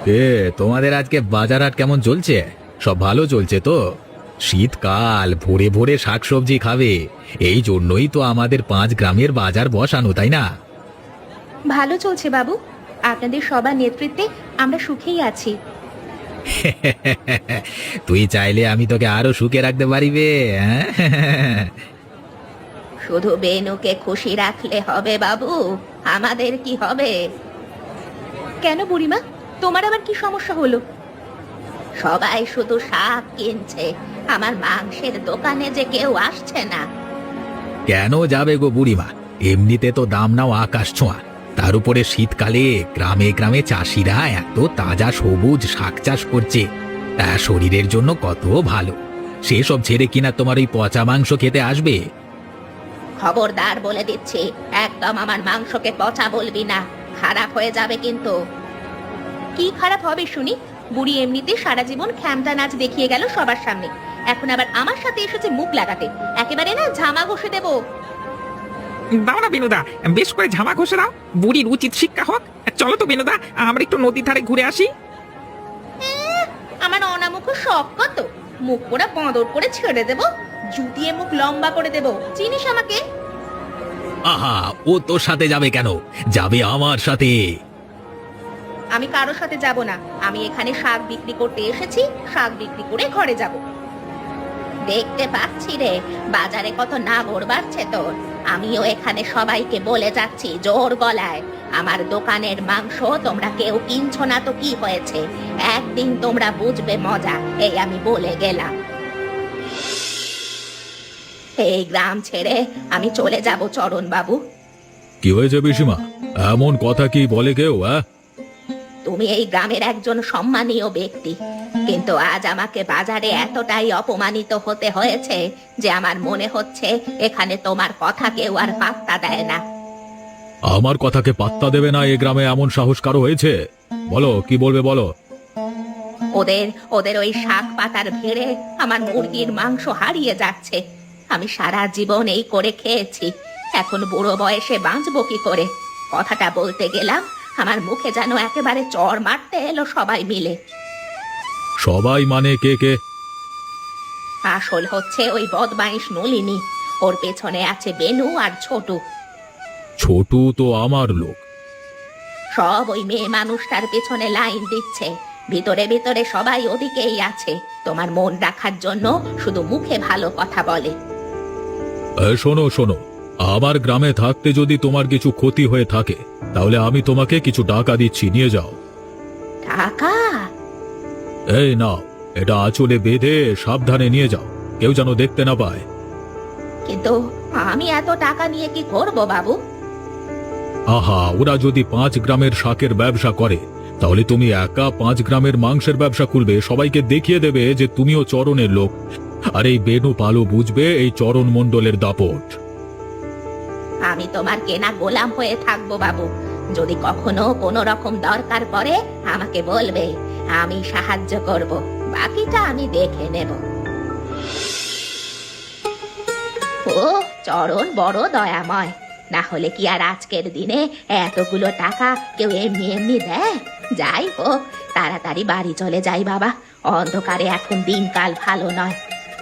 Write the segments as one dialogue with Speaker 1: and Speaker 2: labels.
Speaker 1: তোমাদের আজকে বাজার হাট কেমন চলছে? সব ভালো চলছে তো? শীতকাল, ভোরে ভোরে শাকসবজি খাবে, এই জন্যই তো আমাদের 5 গ্রামের বাজার বসানো, তাই না?
Speaker 2: ভালো চলছে বাবু। আপনাদের সবার নেতৃত্বে আমরা সুখেই আছি।
Speaker 1: তুই চাইলে আমি তোকে আরো সুখে রাখতে পারিবে। হ্যাঁ?
Speaker 2: শুধু বেনুকে খুশি রাখলে হবে বাবু, আমাদের কি হবে? কেন বুড়িমা, তোমার আবার কি সমস্যা হলো? সবাই শুধু শাক কিনছে, আমার মাংসের দোকানে যে কেউ আসছে না।
Speaker 1: কেন যাবে গো বুড়িমা? এমনিতে তো দাম নাও আকাশ ছোঁয়া, তার উপরে শীতকালে গ্রামে গ্রামে চাষিরা এত তাজা সবুজ শাক চাষ করছে, তা শরীরের জন্য কত ভালো। সেসব ছেড়ে কিনা তোমার ওই পচা মাংস খেতে আসবে?
Speaker 2: খবরদার বলে দিচ্ছি, একদম আমার মাংসকে পচা বলবি না, খারাপ হয়ে যাবে কিন্তু। কি খারাপ হবে শুনি? বুড়ি এমনিতে সারা জীবন খ্যামটা নাচ দেখিয়ে গেল সবার সামনে, এখন আবার আমার সাথে এসেছে মুখ লাগাতে। একেবারে না ঝামা ঘষে দেবো।
Speaker 3: দাও না বিনুদা, বেশ করে ঝামা ঘষে দাও, বুড়ির উচিত শিক্ষা হোক। চলো তো বিনুদা, আমরা একটু নদীর ধারে ঘুরে আসি।
Speaker 2: আমার অনামুখ শখ কত, মুখ পোড়া বাঁদর করে ছেড়ে দেবো, জুতিয়ে মুখ লম্বা করে দেবো। চিনিস আমাকে?
Speaker 1: আহা, ও তোর সাথে যাবে কেন? যাবে আমার সাথে।
Speaker 2: আমি কারোর সাথে যাব না, আমি এখানে শাক বিক্রি করতে এসেছি, শাক বিক্রি করে ঘরে যাব। দেখতে পাচ্ছি রে, বাজারে কত নাগর বাড়ছে তোর। আমিও এখানে সবাইকে বলে যাচ্ছি জোর গলায়, আমার দোকানের মাংস তোমরা কেউ কিনছো না তো কি হয়েছে, একদিন তোমরা বুঝবে মজা, এই আমি বলে গেলাম। এই গ্রাম ছেড়ে আমি চলে যাব চরণ বাবু।
Speaker 1: কি হয়েছে পিসিমা? এমন কথা কি বলে কেউ?
Speaker 2: তুমি এই গ্রামের একজন সম্মানীয় ব্যক্তি, কিন্তু আজ আমাকে বাজারে এতটাই অপমানিত হতে হয়েছে যে আমার মনে হচ্ছে এখানে তোমার কথা কেউ আর পাত্তা দেয় না।
Speaker 1: আমার কথাকে পাত্তা দেবে না এ গ্রামে এমন সাহস কারো হয়েছে? বলো, কি বলবে বলো।
Speaker 2: ওদের ওদের ওই শাক পাতার ভিড়ে আমার মুরগির মাংস হারিয়ে যাচ্ছে। আমি সারা জীবন এই করে খেয়েছি, এখন বুড়ো বয়সে বাঁচবো কি করে? কথাটা বলতে গেলাম, আমার মুখে যেন একেবারে চড় মারতে এলো সবাই মিলে।
Speaker 1: সবাই মানে কে কে?
Speaker 2: আসল হচ্ছে ওই বদমাইশ নলিনী, ওর পেছনে আছে বেনু আর ছোটু।
Speaker 1: ছোটু তো আমার লোক।
Speaker 2: সব ওই মেয়ে মানুষটার পেছনে লাইন দিচ্ছে, ভিতরে ভিতরে সবাই ওদিকেই আছে, তোমার মন রাখার জন্য শুধু মুখে ভালো কথা বলে।
Speaker 1: শোনো শোনো, আমার গ্রামে থাকতে যদি তোমার কিছু ক্ষতি হয়ে থাকে, তাহলে আমি তোমাকে কিছু টাকা দিচ্ছি, নিয়ে যাও।
Speaker 2: টাকা?
Speaker 1: এই নাও, এটা আঁচলে বেঁধে সাবধানে নিয়ে যাও, কেউ যেন দেখতে না পায়।
Speaker 2: কিন্তু আমি এত টাকা নিয়ে কি করব বাবু?
Speaker 1: আহা, ওরা যদি 5 গ্রামের শাকের ব্যবসা করে, তাহলে তুমি একা 5 গ্রামের মাংসের ব্যবসা খুলবে, সবাইকে দেখিয়ে দেবে যে তুমিও চরণের লোক। আর এই বেনু পালো বুঝবে এই চরণ মণ্ডলের দাপট।
Speaker 2: আমি তোমার কেনা গোলাম হয়ে থাকবো বাবু, যদি কখনো কোনো রকম দরকার পড়ে আমাকে বলবে, আমি সাহায্য করব, বাকিটা আমি দেখে নেব। ও চরণ বড় দয়াময়, না হলে কি আর আজকের দিনে এতগুলো টাকা কেউ এমনি এমনি দেয়? যাই হোক, তাড়াতাড়ি বাড়ি চলে যাই বাবা, অন্ধকারে এখন দিনকাল ভালো নয়।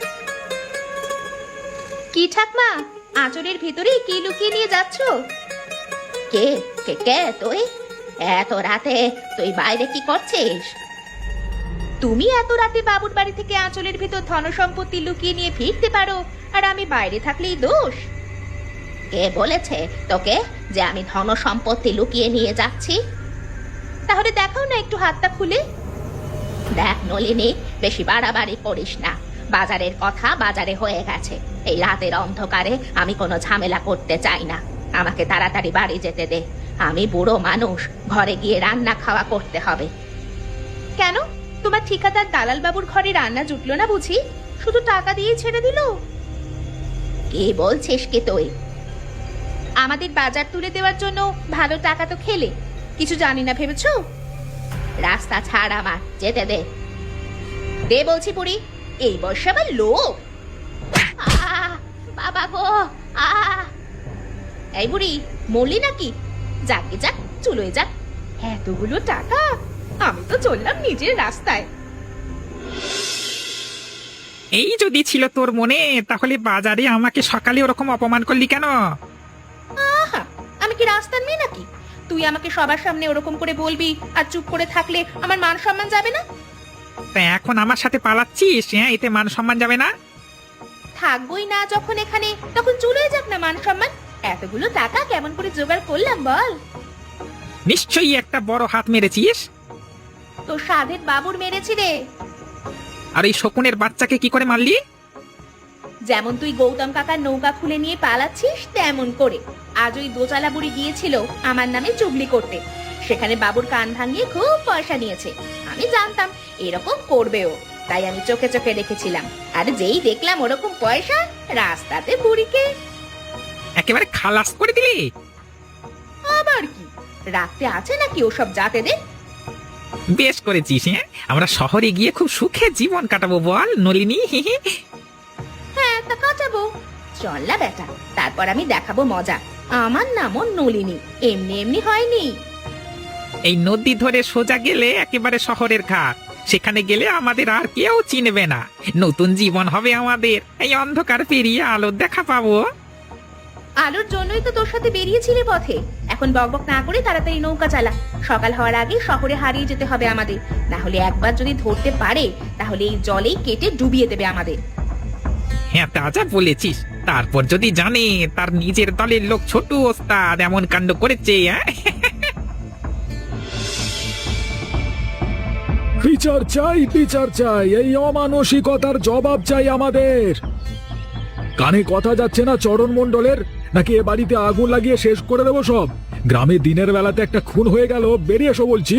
Speaker 2: কি ঠাকমা, আঁচলের ভিতরে কি লুকিয়ে নিয়ে যাচ্ছ? কে কে কে তুই? এত রাতে তুই বাইরে কি করছিস? তুমি এত রাতে বাবুর বাড়ি থেকে আঁচলের ভিতর ধন সম্পত্তি লুকিয়ে নিয়ে ফিরতে পারো, আর আমি বাইরে থাকলেই দোষ? কে বলেছে তোকে যে আমি ধন সম্পত্তি লুকিয়ে নিয়ে যাচ্ছি? তাহলে দেখাও না একটু হাতটা খুলে। দেখ নলিনী, বেশি বাড়াবাড়ি করিস না, বাজারের কথা বাজারে হয়ে গেছে, এই রাতের অন্ধকারে আমি কোনো ঝামেলা করতে চাই না, আমাকে তাড়াতাড়ি বাড়ি যেতে দে, আমি বুড়ো মানুষ, ঘরে গিয়ে রান্না খাওয়া করতে হবে। কেন, তোমার ঠিকাদার দালাল বাবুর ঘরে রান্না জুটলো না বুঝি? শুধু টাকা দিয়ে ছেড়ে দিল? কি বলছিস কি তুই? আমাদের বাজার তুলে দেওয়ার জন্য ভালো টাকা তো খেলে, কিছু জানি না ভেবেছো? রাস্তা ছাড়, আমার যেতে দে। দে বলছি বুড়ি, এই বয়সে আবার লোক। বাবা গো, এই বুড়ি মরলি নাকি? যাকে যাক, চুলোয় যাক, এতগুলো টাকা আমি তো চললাম নিজের রাস্তায়।
Speaker 3: এই যদি ছিল তোর মনে, তাহলে বাজারে আমাকে সকালে ওরকম অপমান করলি কেন?
Speaker 2: আহা, আমি কি রাস্তার মেয়ে নাকি? তুই আমাকে সবার সামনে ওরকম করে বলবি আর চুপ করে থাকলে আমার মান সম্মান যাবে না?
Speaker 3: তা এখন আমার সাথে পালাচ্ছিস? হ্যাঁ, এতে মান সম্মান যাবে না?
Speaker 2: থাকবোই না যখন এখানে, তখন চলে যাক না মান সম্মান। এতগুলো টাকা কেমন করে জোগাড় করলাম বল?
Speaker 3: নিশ্চয়ই একটা বড় হাত মেরেছিস।
Speaker 2: তো সাধের বাবুর মেরেছি রে।
Speaker 3: আর এই শকুনের বাচ্চাকে কি করে মারলি?
Speaker 2: যেমন তুই গৌতম কাকার নৌকা খুলে নিয়ে পালাচ্ছিস তেমন করে। আজ ওই দোচালা বুড়ি গিয়েছিল আমার নামে চুগলি করতে। সেখানে বাবুর কান ভাঙিয়ে খুব পয়সা নিয়েছে। আমি জানতাম এরকম করবেও, তাই আমি চোখে চোখে রেখেছিলাম। আর যেই দেখলাম ওরকম পয়সা, রাস্তাতে বুড়িকে
Speaker 3: একেবারে খালাস করে দিলি?
Speaker 2: আবার কি রাখতে আছে নাকি ওসব জাতেদের?
Speaker 3: বেশ করেছিস। হ্যাঁ, আমরা শহরে গিয়ে খুব সুখে জীবন কাটাবো বল নলিনী।
Speaker 2: হ্যাঁ, তা কাটাবো। চল না বেটা, তারপর আমি দেখাবো মজা। আমার নামও নলিনী, এমনি এমনি হয়নি।
Speaker 3: এই নদী ধরে সোজা গেলে একেবারে শহরের ঘাট। সেখানে গেলে আমাদের আর কেউ চিনবে না। নতুন জীবন হবে আমাদের। এই অন্ধকার পেরিয়ে আলোর দেখা পাবো।
Speaker 2: আলোর জন্যই তো তোর সাথে বেরিয়েছিলে পথে। এখন বকবক না করে তাড়াতাড়ি নৌকা চালা। সকাল হওয়ার আগে শহরে হারিয়ে যেতে হবে আমাদের। না হলে একবার যদি ধরতে পারে, তাহলে এই জলেই কেটে ডুবিয়ে দেবে আমাদের।
Speaker 3: হ্যাঁ, তা যা বলেছিস। তারপর যদি জানে তার নিজের দলের লোক ছোট ওস্তাদ এমন কাণ্ড করেছে।
Speaker 4: বিচার চাই, বিচার চাই, এই অমানসিকতার জবাব চাই আমাদের। কানে কথা যাচ্ছে না চরণ মণ্ডলের? নাকি এ বাড়িতে আগুন লাগিয়ে শেষ করে দেবো সব? গ্রামে দিনের বেলাতে একটা খুন হয়ে গেল, বেরিয়ে এসো বলছি।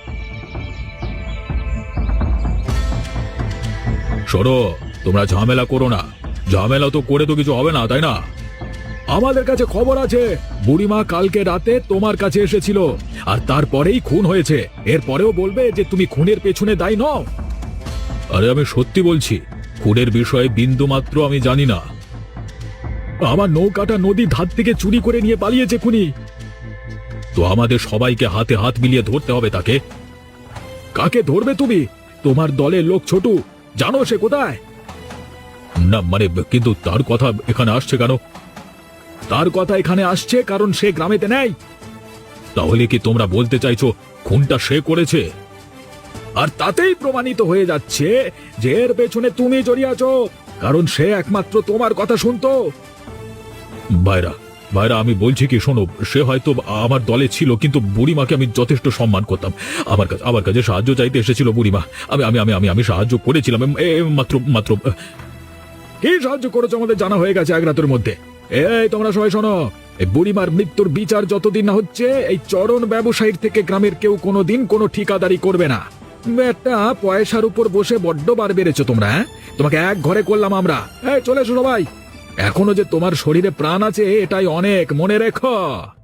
Speaker 4: সরো, তোমরা ঝামেলা করো না। ঝামেলা তো করে তো কিছু হবে না, তাই না? আমাদের কাছে খবর আছে বুড়িমা কালকে রাতে তোমার কাছে এসেছিল, আর তারপরেই খুন হয়েছে। এরপরেও বলবে যে তুমি খুনের পেছনে দায়ী নও? আরে আমি সত্যি বলছি, খুনের বিষয়ে বিন্দু মাত্র আমি জানি না। আমার নৌকাটা নদীর ধার থেকে চুরি করে নিয়ে পালিয়েছে খুনি। তো আমাদের সবাইকে হাতে হাত মিলিয়ে ধরতে হবে তাকে। কাকে ধরবে তুমি? তোমার দলের লোক ছোটু, জানো সে কোথায়? না মানে, কিন্তু তার কথা এখানে আসছে কেন? তার কথা এখানে আসছে কারণ সে গ্রামেতে নেই। তাহলে কি তোমরা বলতে চাইছো খুনটা সে করেছে? আর তাতেই প্রমাণিত হয়ে যাচ্ছে যে এর পেছনে তুমি জড়িয়ে আছো, কারণ সে একমাত্র তোমার কথা শুনতো। ভাইরা ভাইরা, আমি বলছি কি শোনো, সে হয়তো আমার দলে ছিল, কিন্তু বুড়িমাকে আমি যথেষ্ট সম্মান করতাম। আমার কাছে সাহায্য চাইতে এসেছিল বুড়িমা। আমি আমি আমি আমি আমি সাহায্য করেছিলাম। মাত্র মাত্র কি সাহায্য করেছো আমাদের জানা হয়ে গেছে এক রাতের মধ্যে। এই তোমরা সবাই শোনো, এই বুড়িমার মৃত্যুর বিচার যতদিন না হচ্ছে, এই চরণ ব্যবসায়ীর থেকে গ্রামের কেউ কোনোদিন কোনো ঠিকাদারি করবে না। একটা পয়সার উপর বসে বড্ড বার বেড়েছো তোমরা। তোমাকে এক ঘরে করলাম আমরা। চলে এসো সবাই। এখনো যে তোমার শরীরে প্রাণ আছে এটাই অনেক, মনে রেখো।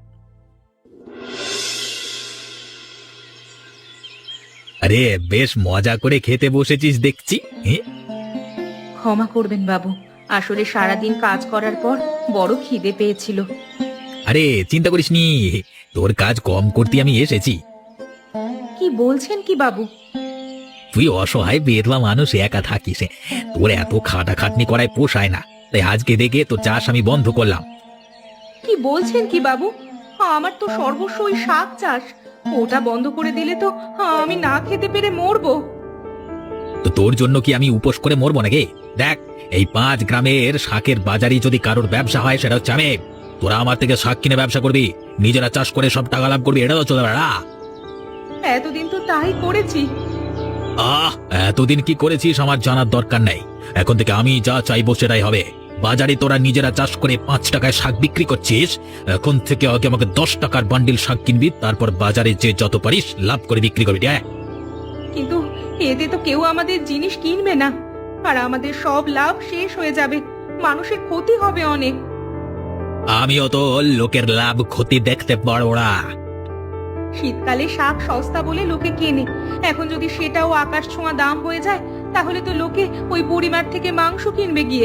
Speaker 1: আরে বেশ মজা করে খেতে বসেছিস দেখছি।
Speaker 2: ক্ষমা করবেন বাবু, আসলে সারাদিন কাজ করার পর বড় খিদে পেয়েছিল।
Speaker 1: আরে চিন্তা করিস নি, তোর কাজ কম করতে আমি এসেছি।
Speaker 2: কি বলছেন কি বাবু?
Speaker 1: তুই অসহায় বেদলা মানুষ, একা থাকিস, তোর এত খাটাখাটনি করায় পোষায় না। তাই আজকে দেখে তোর চাষ আমি বন্ধ করলাম।
Speaker 2: কি বলছেন কি বাবু? আমার তো সর্বস্ব ওই শাক চাষ। ওটা বন্ধ করে দিলে তো আমি না খেতে পেরে মরবো।
Speaker 1: তো তোর জন্য কি আমি উপোস করে মরবো নাকি? দেখ, এই 5 গ্রামের শাকের বাজারে যদি কারোর ব্যবসা হয় সেটা হচ্ছে আমি। তোরা আমার থেকে শাক কিনে ব্যবসা করবি, নিজেরা চাষ করে সব টাকা লাভ করবি, এটা তো চলে বেড়া।
Speaker 2: এতদিন তো তাই করেছি।
Speaker 1: এতদিন কি করেছিস আমার জানার দরকার নেই। এখন থেকে আমি যা চাইবো সেটাই হবে। বাজারে তোরা নিজেরা চাষ করে 5 টাকায় শাক বিক্রি করছিস, এখন থেকে আগে আমাকে 10 টাকার বান্ডিল শাক কিনবি, তারপর বাজারে যে যত পারিস লাভ করে বিক্রি করবি।
Speaker 2: কিন্তু এতে তো কেউ আমাদের জিনিস কিনবে না, আর আমাদের সব লাভ শেষ হয়ে যাবে। মানুষের ক্ষতি হবে অনেক।
Speaker 1: আমিও তো লোকের লাভ ক্ষতি দেখতে পারবো না।
Speaker 2: শীতকালে শাক সস্তা বলে লোকে কেনে, এখন যদি সেটাও আকাশ ছোঁয়া দাম হয়ে যায়, তাহলে তো লোকে ওই বুড়িমার থেকে মাংস কিনবে গিয়ে।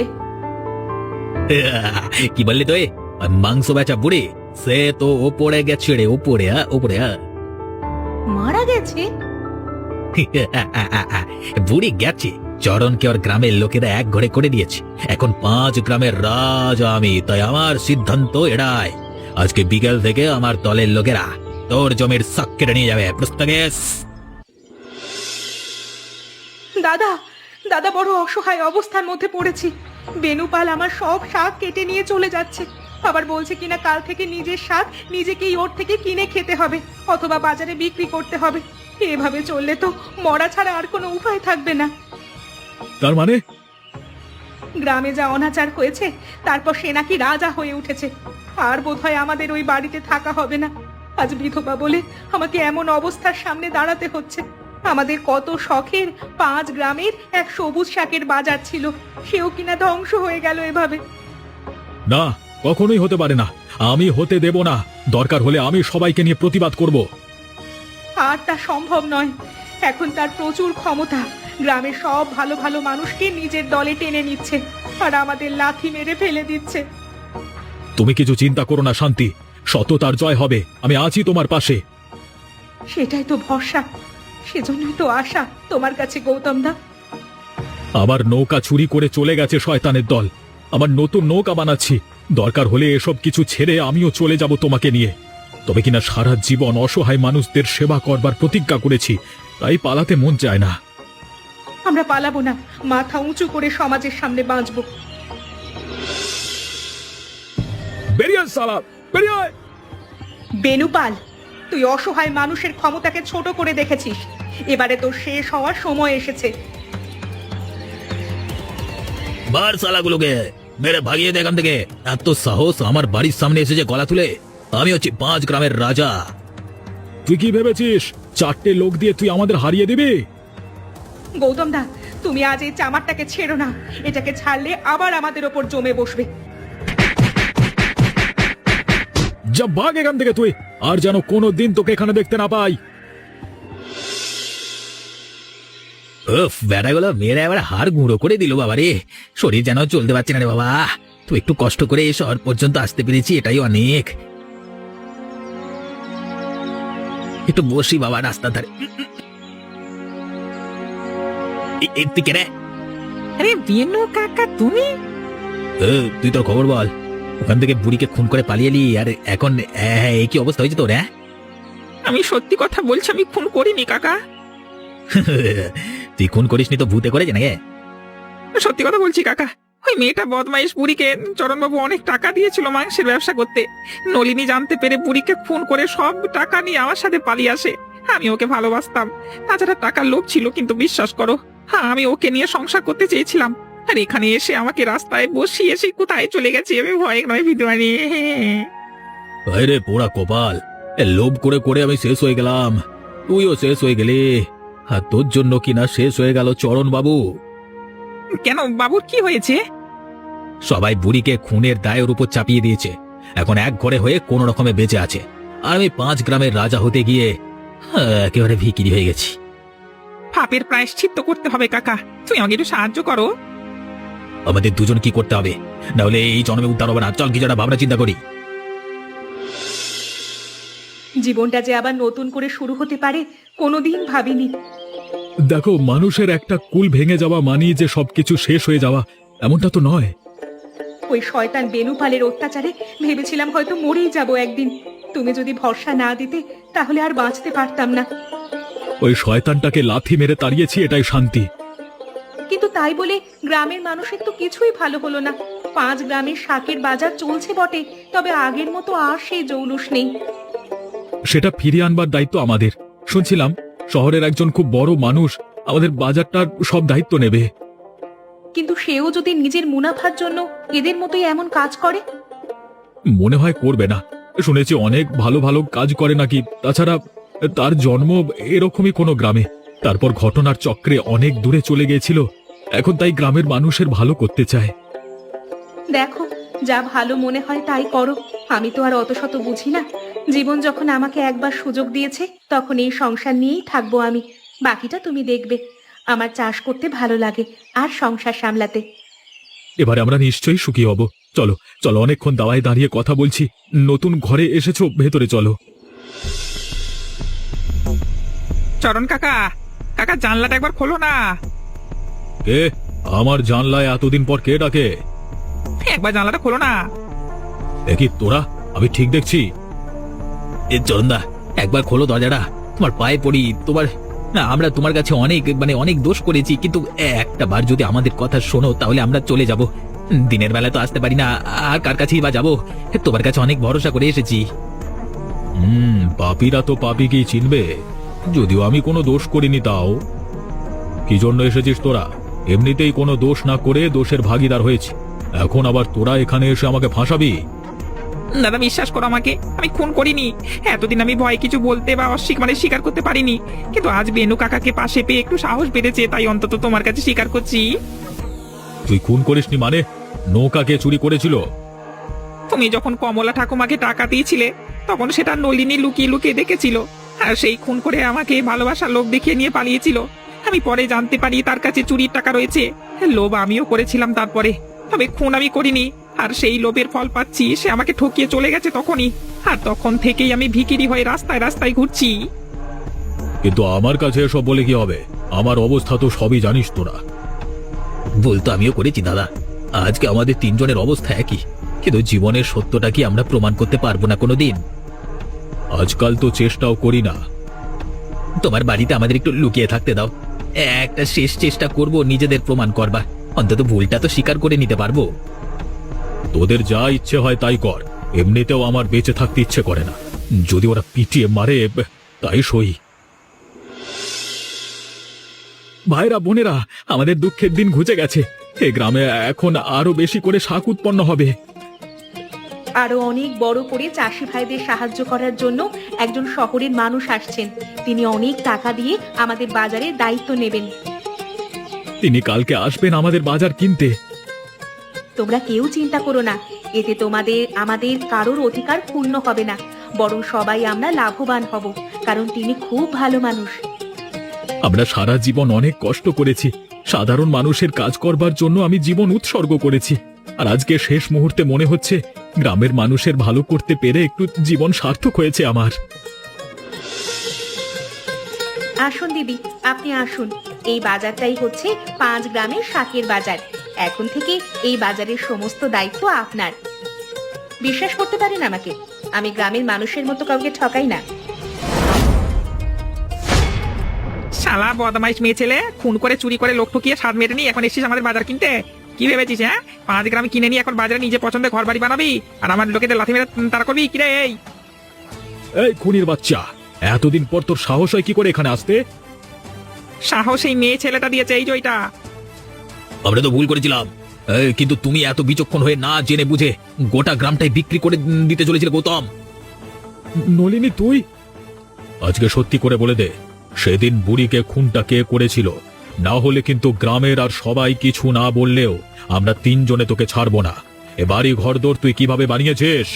Speaker 1: কি বললি তুই? মাংস বেচা বুড়ি সে তো ওপরে গেছে রে, ওপরে ওপরে।
Speaker 2: মারা গেছে?
Speaker 1: বুড়ি গেছে, চরণকে ওর গ্রামের লোকেরা এক ঘরে করে দিয়েছে। এখন 5 গ্রামের রাজা আমি, তাই আমার সিদ্ধান্ত এড়ায়। আজকে বিকেল থেকে আমার দলের লোকেরা তোর জমির শখ কেটে নিয়ে যাবে। প্রস্তাবেশ।
Speaker 5: দাদা দাদা বড় অসহায় অবস্থার মধ্যে পড়েছি। বেনুপাল আমার সব শাক কেটে নিয়ে চলে যাচ্ছে, আবার বলছে কিনা কাল থেকে নিজের শাক নিজেকেই ওর থেকে কিনে খেতে হবে অথবা বাজারে বিক্রি করতে হবে। এভাবে চললে তো মরা ছাড়া আর কোনো উপায় থাকবে না।
Speaker 4: তার মানে
Speaker 5: গ্রামে যা অনাচার হয়েছে, তারপর সে নাকি রাজা হয়ে উঠেছে। আর বোধহয় আমাদের ওই বাড়িতে থাকা হবে না। আজ বিধবা বলে আমাকে এমন অবস্থার সামনে দাঁড়াতে হচ্ছে। আমাদের কত শখের 5 গ্রামের এক সবুজ শাকের বাজার ছিল, সেও কিনা ধ্বংস হয়ে গেল এভাবে।
Speaker 4: না, কখনোই হতে পারে না। আমি হতে দেব না। দরকার হলে আমি সবাইকে নিয়ে প্রতিবাদ করব।
Speaker 5: আর তা সম্ভব নয়। এখন তার প্রচুর ক্ষমতা, গ্রামের সব ভালো ভালো মানুষকে নিজের দলে টেনে নিচ্ছে আর আমাদের লাথি মেরে ফেলে দিচ্ছে।
Speaker 4: তুমি কিছু চিন্তা করো না শান্তি, সততার জয় হবে। আমি আছি তোমার পাশে।
Speaker 5: সেটাই তো ভরসা, সেজন্যই তো আশা তোমার কাছে গৌতম দা।
Speaker 4: আবার নৌকা চুরি করে চলে গেছে শয়তানের দল। আমার নতুন নৌকা বানাচ্ছি। দরকার হলে এসব কিছু ছেড়ে আমিও চলে যাব তোমাকে নিয়ে। তবে কিনা সারা জীবন অসহায় মানুষদের সেবা করবার প্রতিজ্ঞা করেছি, তাই পালাতে মন চায় না।
Speaker 5: আমরা পালাবো না, মাথা উঁচু করে সমাজের সামনে বাঁচবো।
Speaker 4: বেরিয়ে আয় শালা, বেরিয়ে আয়।
Speaker 5: বেনুপাল, তুই অসহায় মানুষের ক্ষমতাকে ছোট করে দেখেছিস। এবারে তোর শেষ হওয়ার সময় এসেছে।
Speaker 1: বার শালাগুলোকে মেরে ভাগিয়ে দে এখান থেকে। এত সাহস আমার বাড়ির সামনে এসেছে গলা তুলে। আমি হচ্ছি 5 গ্রামের রাজা।
Speaker 4: তুই কি ভেবেছিস 4টে লোক দিয়ে তুই আমাদের হারিয়ে দিবি?
Speaker 5: গৌতম দা, তুমি আজ এই চামারটাকে ছেড়ো না। এটাকে ছাড়লে আবার আমাদের ওপর জমে বসবে।
Speaker 4: যা, ভাগ এখান থেকে তুই, আর যেন কোনো দিন তোকে এখানে দেখতে না পাই।
Speaker 1: উফ, বেড়াগুলো মেয়েরা এবার হাড় গুঁড়ো করে দিল বাবা রে। শরীর যেন চলতে পারছে না রে বাবা। তুই একটু কষ্ট করে এই শহর পর্যন্ত আসতে পেরেছি, এটাই অনেক। একটু বসি বাবা রাস্তা ধারে। তুই কে রে?
Speaker 3: আরে বেনু কাকা, তুমি?
Speaker 1: তুই তোর খবর বল। ওখান থেকে বুড়িকে খুন করে পালিয়ে এলি, আর এখন এই কি অবস্থা হয়েছে তোর? হ্যাঁ,
Speaker 3: আমি সত্যি কথা বলছি, আমি খুন করিনি কাকা।
Speaker 1: তুই খুন করিসনি তো ভূতে করেছে নাকি?
Speaker 3: সত্যি কথা বলছি কাকা। ওই মেয়েটা বদমাইশ বুড়িকে চরণবাবু অনেক টাকা দিয়েছিল মাংসের ব্যবসা করতে। নলিনী জানতে পেরে বুড়িকে খুন করে সব টাকা নিয়ে আমার সাথে পালিয়ে আসে। আমি ওকে ভালোবাসতাম, তাছাড়া টাকার লোভ ছিল, কিন্তু বিশ্বাস করো, হ্যাঁ, আমি ওকে নিয়ে সংসার করতে চেয়েছিলাম। আর এখানে এসে আমাকে রাস্তায় বসিয়ে এসে কোথায় চলে গেছে, আমি ভয় নয় বিদ্বানি।
Speaker 1: রে পোড়া কপাল, লোভ করে করে আমি শেষ হয়ে গেলাম, তুইও শেষ হয়ে গেলি। আর তোর জন্য কিনা শেষ হয়ে গেল চরণ বাবু।
Speaker 3: কেন, বাবুর কি হয়েছে?
Speaker 1: সবাই বুড়িকে খুনের দায়ের উপর চাপিয়ে দিয়েছে। এখন এক ঘরে হয়ে কোন রকমে বেঁচে আছে, আর আমি 5 গ্রামের রাজা হতে গিয়ে একেবারে ভিকিরি হয়ে গেছি।
Speaker 3: পাপের প্রায়শ্চিত্ত করতে হবে কাকা, তুমি আমাকে একটু সাহায্য করো।
Speaker 1: আমাদের দুজন কি করতে হবে, না হলে এই জন্মে উদ্ধার হবে না। চল কিছু একটা ভাবনা চিন্তা করি।
Speaker 5: জীবনটা যে আবার নতুন করে শুরু হতে পারে কোনোদিন ভাবিনি।
Speaker 4: দেখো, মানুষের একটা কুল ভেঙে যাওয়া মানি যে সবকিছু শেষ হয়ে যাওয়া, এমনটা তো নয়।
Speaker 5: ওই শয়তান বেনুপালের অত্যাচারে ভেবেছিলাম হয়তো মরেই যাব একদিন। তুমি যদি ভরসা না দিতে তাহলে আর বাঁচতে পারতাম না।
Speaker 4: ওই শয়তানটাকে লাথি মেরে তাড়িয়েছি, এটাই শান্তি।
Speaker 5: কিন্তু তাই বলে গ্রামের মানুষের তো কিছুই ভালো হলো না। 5 গ্রামের শাকের বাজার চলছে বটে, তবে আগের মতো আর সেই জৌলুস নেই।
Speaker 4: সেটা ফিরিয়ে আনবার দায়িত্ব আমাদের। শুনছিলাম শহরের একজন খুব বড় মানুষ আমাদের বাজারটার সব দায়িত্ব নেবে।
Speaker 5: কিন্তু সেও যদি নিজের মুনাফার জন্য এদের মতোই এমন কাজ করে?
Speaker 4: মনে হয় করবে না। শুনেছি অনেক ভালো ভালো কাজ করে নাকি। তাছাড়া তার জন্ম এরকমই কোনো গ্রামে, তারপর ঘটনার চক্রে অনেক দূরে চলে গিয়েছিল। এখন তাই গ্রামের মানুষের ভালো করতে চায়।
Speaker 5: দেখো, যা ভালো মনে হয় তাই করো। আমি তো আর অত শত বুঝি না। জীবন যখন আমাকে একবার সুযোগ দিয়েছে, তখন এই সংসার নিয়েই থাকবো আমি। বাকিটা তুমি দেখবে। আমার চাষ করতে ভালো লাগে আর সংসার সামলাতে।
Speaker 4: এবারে আমরা নিশ্চয়ই সুখী হব। চলো চলো, অনেকক্ষণ দাওয়ায় দাঁড়িয়ে কথা বলছি। নতুন ঘরে এসেছো, ভেতরে চলো।
Speaker 3: চরণ কাকা, কাকা জানলাটা একবার খোলো না।
Speaker 4: কে? আমার জানলায় এতদিন পর কে ডাকে?
Speaker 3: একবার জানলাটা খোলো না।
Speaker 4: দেখি তোরা, আমি ঠিক দেখছি?
Speaker 1: চরণদা, একবার খোলো দরজাটা, তোমার পায়ে পড়ি। আমরা তোমার কাছে অনেক দোষ করেছি, কিন্তু একটা বার যদি আমাদের কথা শোনো তাহলে আমরা চলে যাব। দিনের বেলা তো আসতে পারি না, আর কার কাছেই বা যাবো? তোমার কাছে অনেক ভরসা করে এসেছি।
Speaker 4: পাপীরা তো পাপীকেই চিনবে, যদিও আমি কোনো দোষ করিনি। তাও কি জন্য এসেছিস তোরা? এমনিতেই কোনো দোষ না করে দোষের ভাগীদার হয়েছি, এখন আবার তোরা এখানে এসে আমাকে ফাঁসাবি?
Speaker 3: দাদা বিশ্বাস করো আমাকে, আমি খুন করিনি। এতদিন আমি ভয় কিছু বলতে বা স্বীকার করতে পারিনি, কিন্তু আজ বেনু কাকাকে পাশে পেয়ে একটু সাহস বেড়েছে, তাই অন্তত তোমার কাছে স্বীকার করছি।
Speaker 4: তুই খুন করিসনি মানে? নৌকাকে চুরি করেছিল?
Speaker 3: তুমি যখন কমলা ঠাকুমাকে টাকা দিয়েছিলে তখন সেটা নলিনী লুকিয়ে লুকিয়ে দেখেছিল, আর সেই খুন করে আমাকে ভালোবাসার লোভ দেখিয়ে নিয়ে পালিয়েছিল। আমি পরে জানতে পারি তার কাছে চুরির টাকা রয়েছে। লোভ আমিও করেছিলাম তারপরে, তবে খুন আমি করিনি। আর সেই লোভের ফল পাচ্ছি, সে আমাকে ঠকিয়ে চলে গেছে তখনই, আর তখন থেকেই আমি ভিখিরি হয়ে রাস্তায় রাস্তায় ঘুরছি।
Speaker 4: কিন্তু আমার কাছে এসব বলে কি হবে? আমার অবস্থা তো সবই জানিস তোরা।
Speaker 1: ভুল তো আমিও করেছি দাদা, আজকে আমাদের তিনজনের অবস্থা একই, কিন্তু জীবনের সত্যটা কি আমরা প্রমাণ করতে পারবো না কোনোদিন?
Speaker 4: আজকাল তো চেষ্টাও করি না।
Speaker 1: তোমার বাড়িতে আমাদের একটু লুকিয়ে থাকতে দাও, একটা শেষ চেষ্টা করব নিজেদের প্রমাণ করবার, অন্তত ভুলটা তো স্বীকার করে নিতে পারবো।
Speaker 4: তোদের যা ইচ্ছে হয় তাই কর, এমনিতেও আমার বেঁচে থাকতে ইচ্ছে করে না। যদি ওরা পিটিয়ে মারে তাই সই। ভাইরা বোনেরা, আমাদের দুঃখের দিন ঘুচে গেছে। এ গ্রামে এখন আরো বেশি করে শাক উৎপন্ন হবে।
Speaker 5: আরো অনেক বড় করে চাষি ভাইদের সাহায্য করার জন্য একজন শহরের মানুষ আসছেন। তিনি অনেক টাকা দিয়ে আমাদের বাজারের দায়িত্ব নেবেন।
Speaker 4: তিনি কালকে আসবেন আমাদের বাজার কিনতে।
Speaker 5: তোমরা কেউ চিন্তা করো না, এতে আমাদের কারোর অধিকার পূর্ণ হবে না, বরং সবাই আমরা লাভবান হব, কারণ তিনি খুব ভালো মানুষ।
Speaker 4: আমরা সারা জীবন অনেক কষ্ট করেছি, সাধারণ মানুষের কাজ করবার জন্য আমি জীবন উৎসর্গ করেছি, আর আজকে শেষ মুহূর্তে মনে হচ্ছে গ্রামের মানুষের ভালো করতে পেরে একটু জীবন সার্থক হয়েছে আমার।
Speaker 5: আসুন দিদি, আপনি আসুন। এই বাজারটাই হচ্ছে 5 গ্রামের শাকের বাজার। এখন থেকে এই বাজারের সমস্ত দায়িত্ব আপনার। বিশ্বাস করতে পারেন আমাকে, আমি গ্রামের মানুষের মতো কাউকে ঠকাই না।
Speaker 3: শালা বদমাইশ মেয়ে ছেলে, খুন করে চুরি করে লোক ঠকিয়ে স্বাদ মেটে নি, এখন এসেছিস আমাদের বাজার কিনতে? কি ভেবেছিস? 5 গ্রাম কিনে নিয়ে এখন বাজারে নিজে পছন্দের ঘর বাড়ি বানাবি, আর আমার লোকেদের লাথি মেরে তারা করবি কিরে?
Speaker 4: এই খুনির বাচ্চা, এতদিন পর তোর সাহস হয় কি করে এখানে আসতে?
Speaker 3: সাহস এই মেয়ে ছেলেটা দিয়েছে, এই যে ওইটা।
Speaker 1: আমরা তো ভুল করেছিলাম, কিন্তু তুমি এত বিচক্ষণ হয়ে না জেনে বুঝে গোটা গ্রামটাই বিক্রি করে দিতে চলেছিলে গৌতম।
Speaker 4: নলিনী তুই? আজকে সত্যি করে বলে দে, সেদিন বুড়িকে খুনটা কে করেছিল? না হলে কিন্তু গ্রামের আর সবাই কিছু না বললেও আমরা 3 জনে তোকে ছাড়বো না। এ বাড়ি ঘরদোর তুই কিভাবে বানিয়েছিস?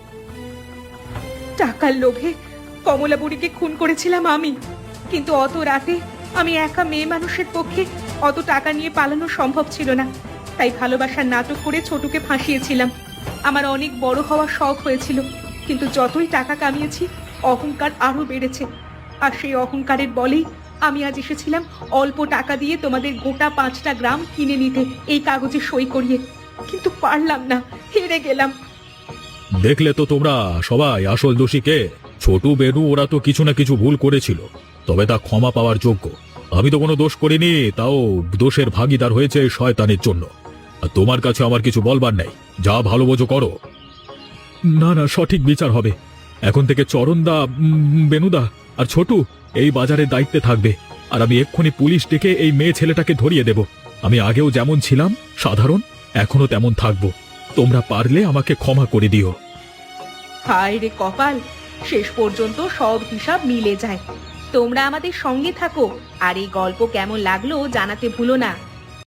Speaker 5: টাকার লোভে কমলা বুড়িকে খুন করেছিলাম আমি, কিন্তু অত রাতে আমি একা মেয়ে মানুষের পক্ষে অত টাকা নিয়ে পালানো সম্ভব ছিল না, তাই ভালোবাসার নাটক করে ছোটুকে ফাঁসিয়েছিলাম। আমার অনেক বড় হওয়ার শখ হয়েছিল, কিন্তু যতই টাকা কামিয়েছি অহংকার আরো বেড়েছে, আর সেই অহংকারের বলেই আমি আজ এসেছিলাম অল্প টাকা দিয়ে তোমাদের গোটা 5টা গ্রাম কিনে নিতে, এই কাগজে সই করিয়ে, কিন্তু পারলাম না, হেরে গেলাম।
Speaker 4: দেখলে তো তোমরা সবাই আসল দোষীকে। ছোটু বেনু ওরা তো কিছু না কিছু ভুল করেছিল, তবে তা ক্ষমা পাওয়ার যোগ্য। আমি তো কোনো দোষ করিনি, তাও দোষের ভাগীদার হয়েছে শয়তানের জন্য। আর তোমার কাছে আমার কিছু বলবার নেই, যা ভালো বোঝো করো। না না, সঠিক বিচার হবে। এখন থেকে চরণদা, বেনুদা আর ছোটু এই বাজারের দায়িত্বে থাকবে, আর আমি এক্ষুনি পুলিশ ডেকে এই মেয়ে ছেলেটাকে ধরিয়ে দেব। আমি আগেও যেমন ছিলাম সাধারণ, এখনো তেমন থাকবো। তোমরা পারলে আমাকে ক্ষমা করে দিও।
Speaker 5: হায় রে কপাল, শেষ পর্যন্ত সব হিসাব মিলে যায়। তোমরা আমাদের সঙ্গে থাকো, আর এই গল্প কেমন লাগলো জানাতে ভুলো না।